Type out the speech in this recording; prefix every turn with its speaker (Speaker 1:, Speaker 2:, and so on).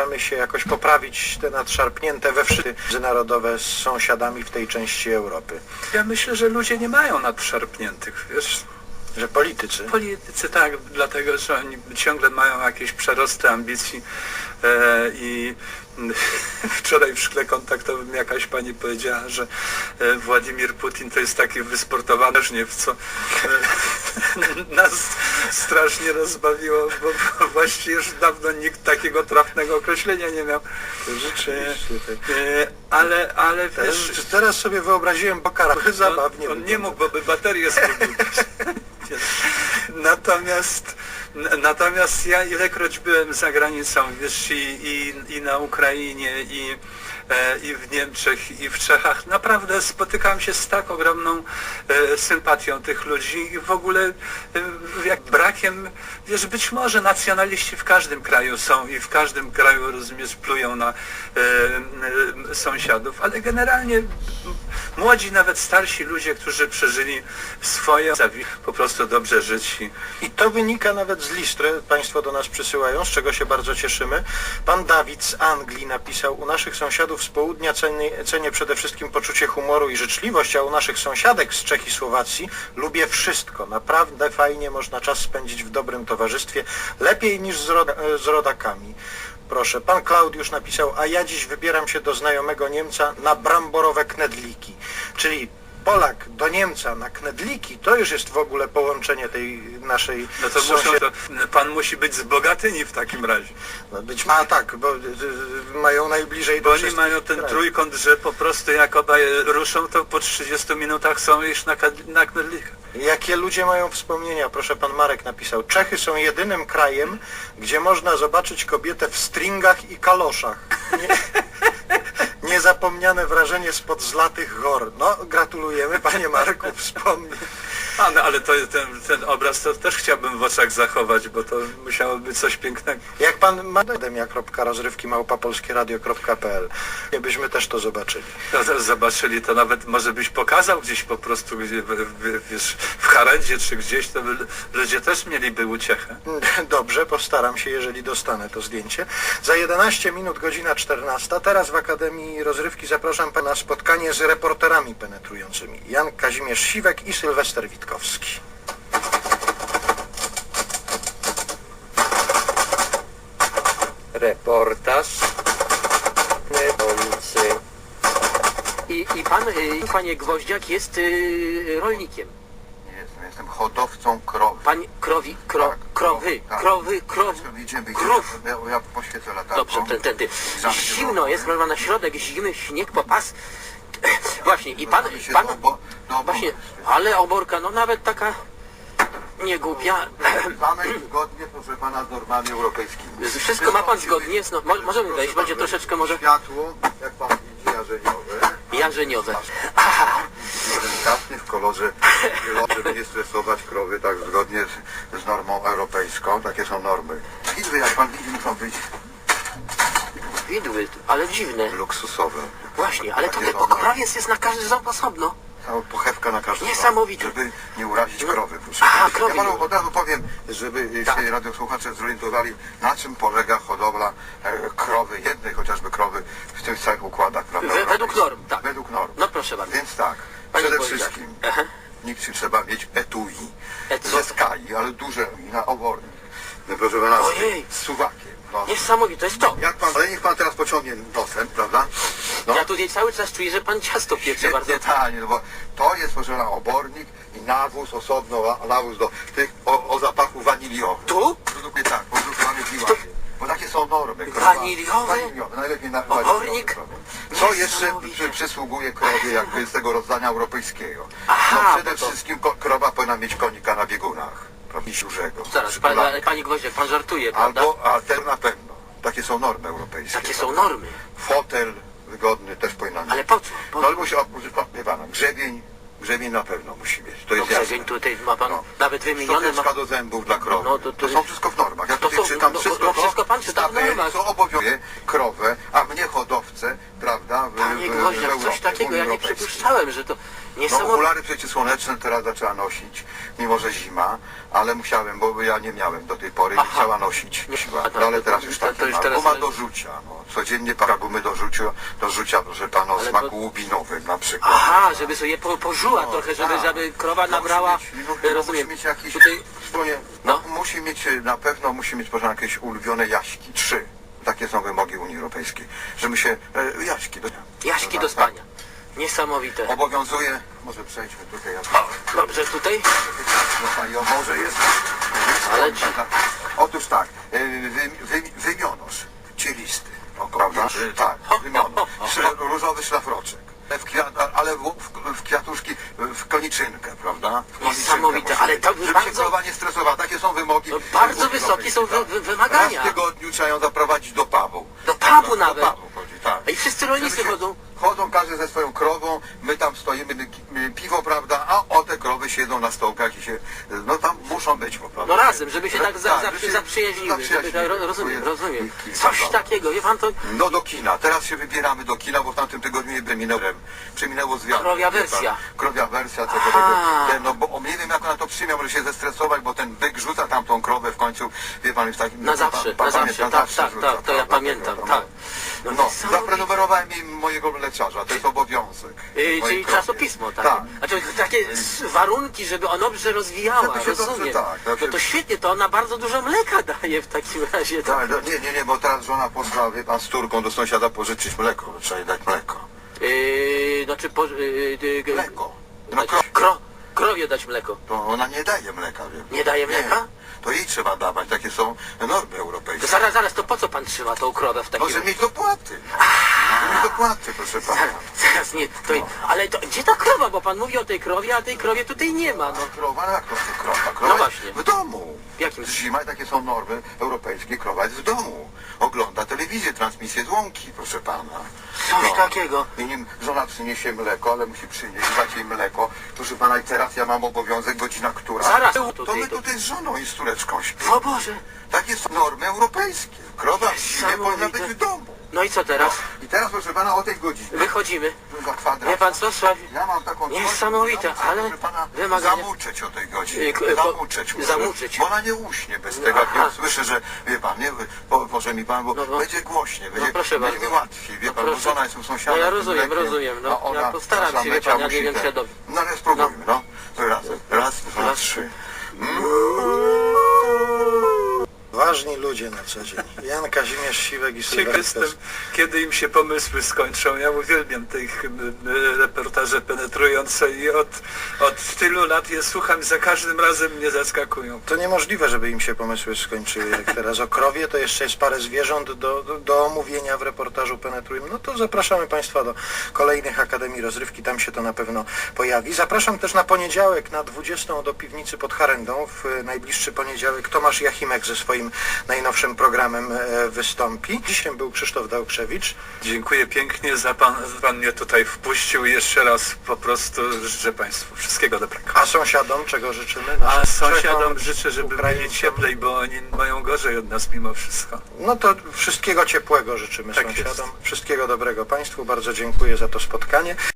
Speaker 1: staramy się jakoś poprawić te nadszarpnięte we wszystkie międzynarodowe z sąsiadami w tej części Europy.
Speaker 2: Ja myślę, że ludzie nie mają nadszarpniętych, wiesz.
Speaker 1: Że politycy?
Speaker 2: Politycy tak, dlatego że oni ciągle mają jakieś przerosty ambicji i wczoraj w szkle kontaktowym jakaś pani powiedziała, że Władimir Putin to jest taki wysportowany żniew, co nas strasznie rozbawiło, bo właściwie już dawno nikt takiego trafnego określenia nie miał. Ale wiesz,
Speaker 1: teraz sobie wyobraziłem Bokara, zabawnie.
Speaker 2: On nie mógł, bo by baterię zgubił. Natomiast ja ilekroć byłem za granicą, wiesz, i na Ukrainie, i w Niemczech, i w Czechach, naprawdę spotykałem się z tak ogromną sympatią tych ludzi i w ogóle jak brakiem, wiesz, być może nacjonaliści w każdym kraju są i w każdym kraju, rozumiesz, plują na sąsiadów, ale generalnie młodzi, nawet starsi ludzie, którzy przeżyli swoje, po prostu dobrze żyć.
Speaker 1: I to wynika nawet z list, które Państwo do nas przysyłają, z czego się bardzo cieszymy. Pan Dawid z Anglii napisał: u naszych sąsiadów z południa cenię przede wszystkim poczucie humoru i życzliwość, a u naszych sąsiadek z Czech i Słowacji lubię wszystko. Naprawdę fajnie można czas spędzić w dobrym towarzystwie, lepiej niż z rodakami. Proszę, pan Klaudiusz napisał: a ja dziś wybieram się do znajomego Niemca na bramborowe knedliki. Czyli Polak do Niemca na knedliki, to już jest w ogóle połączenie tej naszej...
Speaker 2: No to pan musi być z Bogatyni w takim razie.
Speaker 1: No być ma tak, bo mają najbliżej
Speaker 2: bo
Speaker 1: do
Speaker 2: oni mają ten trójkąt, że po prostu jak obaj ruszą, to po 30 minutach są już na knedlikach.
Speaker 1: Jakie ludzie mają wspomnienia? Proszę, pan Marek napisał: Czechy są jedynym krajem, gdzie można zobaczyć kobietę w stringach i kaloszach. Niezapomniane wrażenie spod zlatych gór. No, gratulujemy, panie Marku, wspomnij.
Speaker 2: No, ale ten obraz to też chciałbym w oczach zachować, bo to musiało być coś pięknego.
Speaker 1: Jak pan ma akademia.rozrywki@polskieradio.pl, byśmy też to zobaczyli.
Speaker 2: No, zobaczyli, to nawet może byś pokazał gdzieś po prostu, wiesz, w Harendzie czy gdzieś, to ludzie też mieliby uciechę.
Speaker 1: Dobrze, postaram się, jeżeli dostanę to zdjęcie. Za 11 minut, godzina 14. Teraz w Akademii Rozrywki zapraszam pana na spotkanie z reporterami penetrującymi. Jan Kazimierz Siwek i Sylwester Witkowski.
Speaker 3: Reportaż I pan, panie Gwoździak, jest rolnikiem.
Speaker 4: Nie jestem hodowcą krowy.
Speaker 3: Pan krowy, krów.
Speaker 4: Ja poświecę latarką.
Speaker 3: Dobrze, tędy. Zimno jest, prawda, na środek zimy, śnieg po pas. Właśnie, i pan, właśnie, ale oborka, no nawet taka niegłupia.
Speaker 4: Mamy zgodnie, proszę pana, z normami europejskimi.
Speaker 3: Wszystko ma pan zgodnie, no, możemy wejść, będzie troszeczkę może...
Speaker 4: Światło, jak pan widzi, jarzeniowe.
Speaker 3: Jarzeniowe. Aha.
Speaker 4: Delikatny w kolorze, żeby nie stresować krowy, tak zgodnie z normą europejską. Takie są normy. Widły, jak pan widzi, muszą być
Speaker 3: Widły, ale dziwne.
Speaker 4: luksusowe.
Speaker 3: Właśnie, ale to
Speaker 4: Takie
Speaker 3: ten
Speaker 4: są normy.
Speaker 3: pokrowiec jest na każdy ząb osobno.
Speaker 4: Cała pochewka na każdym
Speaker 3: Niesamowite.
Speaker 4: żeby nie urazić krowy. Proszę.
Speaker 3: Aha, krowy
Speaker 4: Ja
Speaker 3: nie
Speaker 4: panu od razu powiem, żeby
Speaker 3: Tak.
Speaker 4: się radiosłuchacze zorientowali, na czym polega hodowla krowy, jednej chociażby krowy w tych całych układach, prawda?
Speaker 3: Według norm, tak.
Speaker 4: Według norm.
Speaker 3: No proszę bardzo.
Speaker 4: Więc tak,
Speaker 3: Panie
Speaker 4: przede
Speaker 3: Wojciech.
Speaker 4: wszystkim
Speaker 3: Aha.
Speaker 4: nikt trzeba mieć etui
Speaker 3: Co?
Speaker 4: ze skali, ale duże i na obornik. No, proszę pana,
Speaker 3: Ojej.
Speaker 4: z suwakiem. No.
Speaker 3: Niesamowite, to jest to.
Speaker 4: Jak pan, ale niech pan teraz pociągnie nosem, prawda? No.
Speaker 3: Ja tutaj cały czas czuję, że pan ciasto piecze bardzo.
Speaker 4: Detálnie, no bo to jest, proszę pana, obornik i nawóz osobno, nawóz do tych o zapachu waniliowym.
Speaker 3: Tu?
Speaker 4: Produkuje tak, produkowany w Miłanie. Bo takie są normy.
Speaker 3: Waniliowe?
Speaker 4: Waniliowe, najlepiej na
Speaker 3: Obornik?
Speaker 4: Co jeszcze
Speaker 3: Niesamowite.
Speaker 4: przysługuje krowie jakby z tego rozdania europejskiego?
Speaker 3: Aha,
Speaker 4: No przede
Speaker 3: bo to-
Speaker 4: wszystkim krowa powinna mieć konika na biegunach. Prawda? I dużego.
Speaker 3: Zaraz, panie Gwoździak, pan żartuje, prawda?
Speaker 4: A te na pewno. Takie są normy europejskie.
Speaker 3: Takie są normy.
Speaker 4: Fotel wygodny też powinna mieć.
Speaker 3: Ale po co?
Speaker 4: No ale musi, wie pana, grzebień na pewno musi mieć. To
Speaker 3: No
Speaker 4: jest jasne.
Speaker 3: grzebień tutaj ma pan
Speaker 4: No.
Speaker 3: nawet wymienione.
Speaker 4: Szczoteczka do zębów dla krowy.
Speaker 3: No,
Speaker 4: to są wszystko w normach. Ja
Speaker 3: to
Speaker 4: tutaj
Speaker 3: są-
Speaker 4: czytam
Speaker 3: no,
Speaker 4: wszystko,
Speaker 3: no, wszystko pan czyta w
Speaker 4: tabeli,
Speaker 3: normach.
Speaker 4: co obowiązuje krowę, a mnie hodowcę, prawda,
Speaker 3: Panie
Speaker 4: w
Speaker 3: Gwoździak,
Speaker 4: Europie,
Speaker 3: coś takiego
Speaker 4: Unii
Speaker 3: ja nie
Speaker 4: Europejskiej.
Speaker 3: przypuszczałem, że to
Speaker 4: No
Speaker 3: Niesamowite.
Speaker 4: okulary przeciwsłoneczne teraz zaczęła nosić, mimo że zima, ale musiałem, bo ja nie miałem do tej pory i
Speaker 3: Aha.
Speaker 4: chciała nosić.
Speaker 3: A
Speaker 4: No, ale teraz już
Speaker 3: to
Speaker 4: tak
Speaker 3: już
Speaker 4: ma.
Speaker 3: teraz-
Speaker 4: Guma do rzucia, no. Codziennie para gumy do rzucia, proszę pana, o
Speaker 3: Ale
Speaker 4: smaku
Speaker 3: to-
Speaker 4: łubinowym na przykład.
Speaker 3: Aha, żeby sobie pożuła
Speaker 4: No,
Speaker 3: trochę, żeby,
Speaker 4: tak.
Speaker 3: żeby krowa
Speaker 4: No,
Speaker 3: nabrała,
Speaker 4: Musi
Speaker 3: rozumiem.
Speaker 4: mieć jakiś,
Speaker 3: Tutaj,
Speaker 4: no.
Speaker 3: No.
Speaker 4: musi mieć, na pewno musi mieć, proszę, jakieś ulubione jaśki, 3. Takie są wymogi Unii Europejskiej, żeby się, jaśki do...
Speaker 3: jaśki
Speaker 4: tak,
Speaker 3: do spania. Niesamowite.
Speaker 4: Obowiązuje, może przejdźmy tutaj.
Speaker 3: Dobrze, tutaj?
Speaker 4: No pani, o może jest.
Speaker 3: Ale
Speaker 4: Otóż tak, wymionosz, cielisty, o, prawda? Tak, wymionosz. Różowy szlafroczek. Ale w kwiatuszki, w koniczynkę, prawda? W koniczynkę
Speaker 3: Niesamowite,
Speaker 4: musi
Speaker 3: ale
Speaker 4: być,
Speaker 3: to
Speaker 4: żeby się
Speaker 3: bardzo-
Speaker 4: krowa nie stresowała. Takie są wymogi.
Speaker 3: No, bardzo
Speaker 4: Unii
Speaker 3: wysokie są
Speaker 4: Europejskiej,
Speaker 3: wymagania.
Speaker 4: Raz w tygodniu trzeba ją zaprowadzić do pubu.
Speaker 3: Do pubu
Speaker 4: Do
Speaker 3: nawet.
Speaker 4: pubu chodzi, tak.
Speaker 3: I wszyscy rolnicy
Speaker 4: Żeby się-
Speaker 3: chodzą.
Speaker 4: Chodzą każdy ze swoją krową, my tam stoimy, piwo, prawda, a o te krowy siedzą na stołkach i się, no tam muszą być, po prostu.
Speaker 3: No razem, żeby się tak
Speaker 4: żeby się
Speaker 3: zaprzyjaźniły. Żeby, tak, rozumiem, rozumiem.
Speaker 4: I-
Speaker 3: Coś
Speaker 4: prawda.
Speaker 3: takiego, wie pan to...
Speaker 4: No do kina, teraz się wybieramy do kina, bo w tamtym tygodniu nie przeminęło zwiat.
Speaker 3: Krowia wersja.
Speaker 4: Krowia wersja tego,
Speaker 3: Aha.
Speaker 4: no bo nie wiem jak ona to przyjmie, może się zestresować, bo ten byk rzuca tamtą krowę w końcu, wie pan, już tak...
Speaker 3: Na zawsze, na zawsze, tak, tak,
Speaker 4: rzuca,
Speaker 3: tak, to ja
Speaker 4: prawda,
Speaker 3: pamiętam,
Speaker 4: tego,
Speaker 3: tak.
Speaker 4: No,
Speaker 3: niesamowite.
Speaker 4: zaprenumerowałem im mojego mleczarza, to jest obowiązek.
Speaker 3: Czyli
Speaker 4: Mojej krowie.
Speaker 3: czasopismo, tak?
Speaker 4: Tak.
Speaker 3: Znaczy takie warunki, żeby ona dobrze rozwijała,
Speaker 4: Żeby się dobrze,
Speaker 3: rozumiem.
Speaker 4: tak,
Speaker 3: No
Speaker 4: żeby
Speaker 3: to
Speaker 4: się-
Speaker 3: świetnie, to ona bardzo dużo mleka daje w takim razie.
Speaker 4: Tak, no, nie, bo teraz żona poszła, wie pan, z córką do sąsiada pożyczyć mleko, bo trzeba jej dać mleko.
Speaker 3: Znaczy,
Speaker 4: Mleko. No,
Speaker 3: dać, krowie dać mleko.
Speaker 4: to ona nie daje mleka, wie pan.
Speaker 3: Nie daje mleka?
Speaker 4: To jej trzeba dawać, takie są normy
Speaker 3: To
Speaker 4: europejskie.
Speaker 3: zaraz, to po co pan trzyma tą krowę w takim
Speaker 4: Może mieć dopłaty. No. Mieć dopłaty, proszę pana.
Speaker 3: Zaraz nie, to, ale to, gdzie ta krowa? Bo pan mówi o tej krowie, a tej krowie tutaj nie ma. No.
Speaker 4: Krowa, no jak to jest krowa? Krowa
Speaker 3: No
Speaker 4: jest
Speaker 3: właśnie.
Speaker 4: w domu.
Speaker 3: W jakim?
Speaker 4: Zima, takie są normy europejskie, krowa jest w domu. Ogląda telewizję, transmisję z łąki, proszę pana.
Speaker 3: Coś takiego.
Speaker 4: I nim żona przyniesie mleko, ale musi przynieść, dać jej mleko. Proszę pana, i teraz ja mam obowiązek, godzina która.
Speaker 3: Zaraz,
Speaker 4: To
Speaker 3: tutaj
Speaker 4: my
Speaker 3: to-
Speaker 4: tutaj z żoną i z córeczką śpimy.
Speaker 3: O Boże.
Speaker 4: Takie są normy europejskie. Krowa w zimie powinna być w domu.
Speaker 3: No i co teraz?
Speaker 4: I teraz, proszę pana, o tej godzinie.
Speaker 3: Wychodzimy.
Speaker 4: Za kwadrat.
Speaker 3: Wie pan co, Sławi?
Speaker 4: Ja mam taką coś,
Speaker 3: Niesamowite,
Speaker 4: ja muszę,
Speaker 3: ale
Speaker 4: proszę pana,
Speaker 3: wymagania.
Speaker 4: zamuczeć o tej godzinie.
Speaker 3: Zamuczeć.
Speaker 4: Zamuczeć. Bo ona nie uśnie bez tego, jak
Speaker 3: Aha.
Speaker 4: nie usłyszy, że wie pan, nie, może mi pan, bo
Speaker 3: No,
Speaker 4: będzie głośniej, będzie,
Speaker 3: proszę
Speaker 4: będzie mi
Speaker 3: bardzo.
Speaker 4: łatwiej, wie pan, bo
Speaker 3: proszę.
Speaker 4: żona jest u sąsiada.
Speaker 3: No ja
Speaker 4: z tym
Speaker 3: rozumiem,
Speaker 4: mlekiem,
Speaker 3: rozumiem, no.
Speaker 4: a ona
Speaker 3: Ja postaram
Speaker 4: nasza
Speaker 3: się, wie
Speaker 4: Mecia
Speaker 3: pan, ja nie
Speaker 4: musi
Speaker 3: wiem,
Speaker 4: ten-
Speaker 3: czy ja dobrze.
Speaker 4: No ale spróbujmy, no. To raz, dwa,
Speaker 3: Raz.
Speaker 4: trzy.
Speaker 1: Ważni ludzie na co dzień. Jan Kazimierz Siwek i
Speaker 2: Ciekaw
Speaker 1: Sylwester
Speaker 2: jestem,
Speaker 1: Pes.
Speaker 2: kiedy im się pomysły skończą. Ja uwielbiam tych reportaże penetrujące i od tylu lat je słucham, za każdym razem mnie zaskakują.
Speaker 1: To niemożliwe, żeby im się pomysły skończyły. Jak teraz o krowie, to jeszcze jest parę zwierząt do omówienia w reportażu Penetrujmy. No to zapraszamy Państwa do kolejnych Akademii Rozrywki, tam się to na pewno pojawi. Zapraszam też na poniedziałek na 20 do Piwnicy pod Harendą. W najbliższy poniedziałek Tomasz Jachimek ze swoim najnowszym programem wystąpi. Dzisiaj był Krzysztof Dałkrzewicz.
Speaker 2: Dziękuję pięknie, pan mnie tutaj wpuścił i jeszcze raz po prostu życzę Państwu wszystkiego dobrego.
Speaker 1: A sąsiadom czego życzymy?
Speaker 2: A
Speaker 1: Naszym
Speaker 2: sąsiadom
Speaker 1: Czechom,
Speaker 2: życzę, żeby
Speaker 1: Ukraińcom.
Speaker 2: byli cieplej, bo oni mają gorzej od nas mimo wszystko.
Speaker 1: No to wszystkiego ciepłego życzymy
Speaker 2: Tak
Speaker 1: sąsiadom.
Speaker 2: jest.
Speaker 1: Wszystkiego dobrego Państwu. Bardzo dziękuję za to spotkanie.